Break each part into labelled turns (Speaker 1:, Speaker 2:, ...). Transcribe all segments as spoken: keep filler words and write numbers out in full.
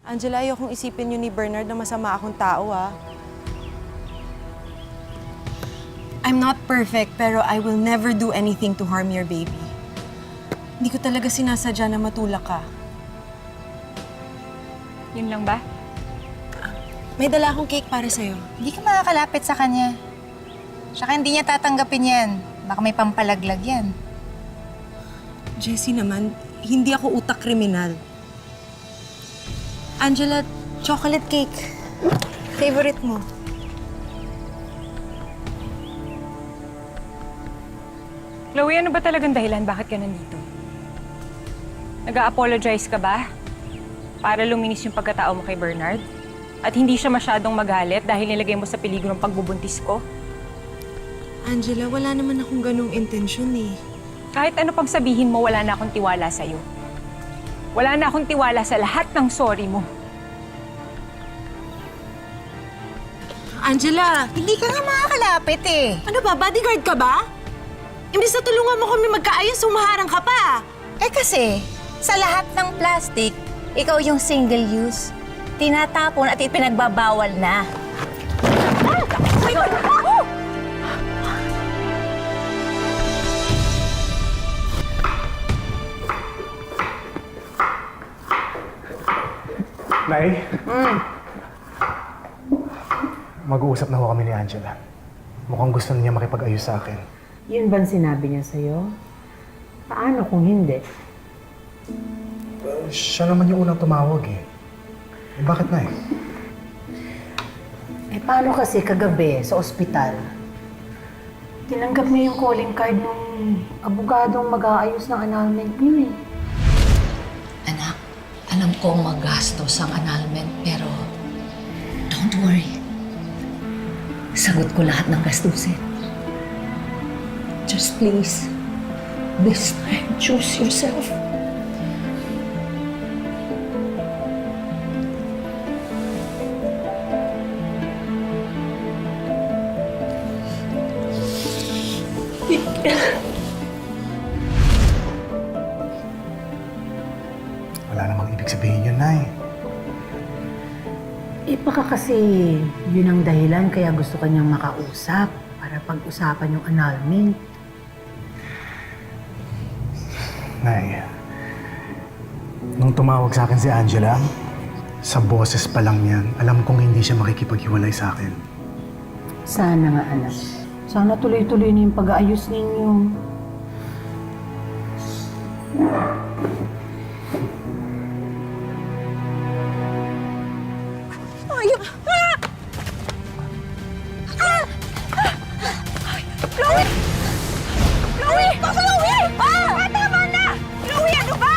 Speaker 1: Angela, ayokong isipin yun ni Bernard na masama akong tao, ah. I'm not perfect, pero I will never do anything to harm your baby. Hindi ko talaga sinasadya na matulak ka.
Speaker 2: Yun lang ba?
Speaker 1: May dala akong cake para sa'yo.
Speaker 3: Hindi ka makakalapit sa kanya. Tsaka hindi niya tatanggapin yan. Baka may pampalaglag yan.
Speaker 1: Jessie naman, hindi ako utak kriminal. Angela, chocolate cake. Favorite mo.
Speaker 2: Chloe, ano ba talagang dahilan? Bakit ka nandito? Nag-a-apologize ka ba? Para luminis yung pagkatao mo kay Bernard? At hindi siya masyadong magalit dahil nilagay mo sa peligro ng pagbubuntis ko?
Speaker 1: Angela, wala naman akong ganong intensyon eh.
Speaker 2: Kahit ano pang sabihin mo, wala na akong tiwala sa'yo. Wala na akong tiwala sa lahat ng sorry mo.
Speaker 1: Angela!
Speaker 3: Hindi ka nga makakalapit eh.
Speaker 1: Ano ba? Bodyguard ka ba? Imbis na tulungan mo kami magkaayos, sumaharang ka pa!
Speaker 3: Eh kasi, sa lahat ng plastic, ikaw yung single use. Tinatapon at ipinagbabawal na. Ah! Oh my God! Oh!
Speaker 4: Nay? Mm. Mag-uusap na ho kami ni Angela. Mukhang gusto niya makipag-ayos sa akin.
Speaker 5: Yun bang sinabi niya sa'yo? Paano kung hindi?
Speaker 4: Uh, siya naman yung unang tumawag eh. Eh bakit na eh?
Speaker 5: Eh paano kasi kagabi sa ospital? Tinanggap niya yung calling card ng abogadong mag-aayos ng annulment niyo eh.
Speaker 6: Anak, alam kong magastos ang annulment, pero don't worry. Sagot ko lahat ng gastusin. Just please, this time, choose yourself.
Speaker 4: Wala namang ibig sabihin yun, Nay.
Speaker 5: Eh baka kasi yun ang dahilan kaya gusto kanyang makausap para pag-usapan yung annulment.
Speaker 4: Nay, nung tumawag sa akin si Angela, sa boses pa lang niyan, alam kong hindi siya makikipaghiwalay sa akin.
Speaker 5: Sana nga anak. Sana tuloy-tuloy na yung pag-aayos ninyo.
Speaker 3: Ayun! Ah! Ah! Ah! Chloe! Chloe! Pa, Chloe! Ah! Tama na! Chloe, ano ba?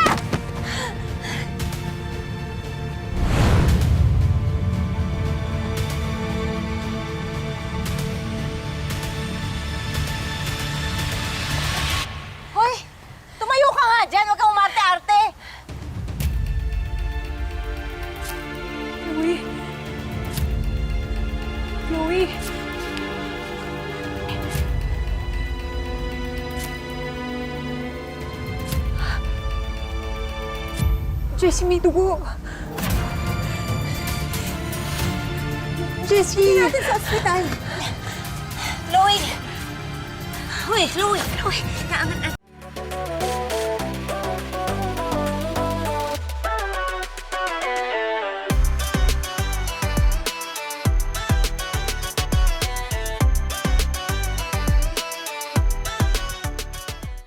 Speaker 3: Hoy! Tumayo ka nga dyan! Huwag kang umarte-arte!
Speaker 2: Chloe? Chloe? Jessie, may dugo. Jessie!
Speaker 3: Hindi natin sa ospital. Chloe! Hoy, Chloe! Chloe! Naangan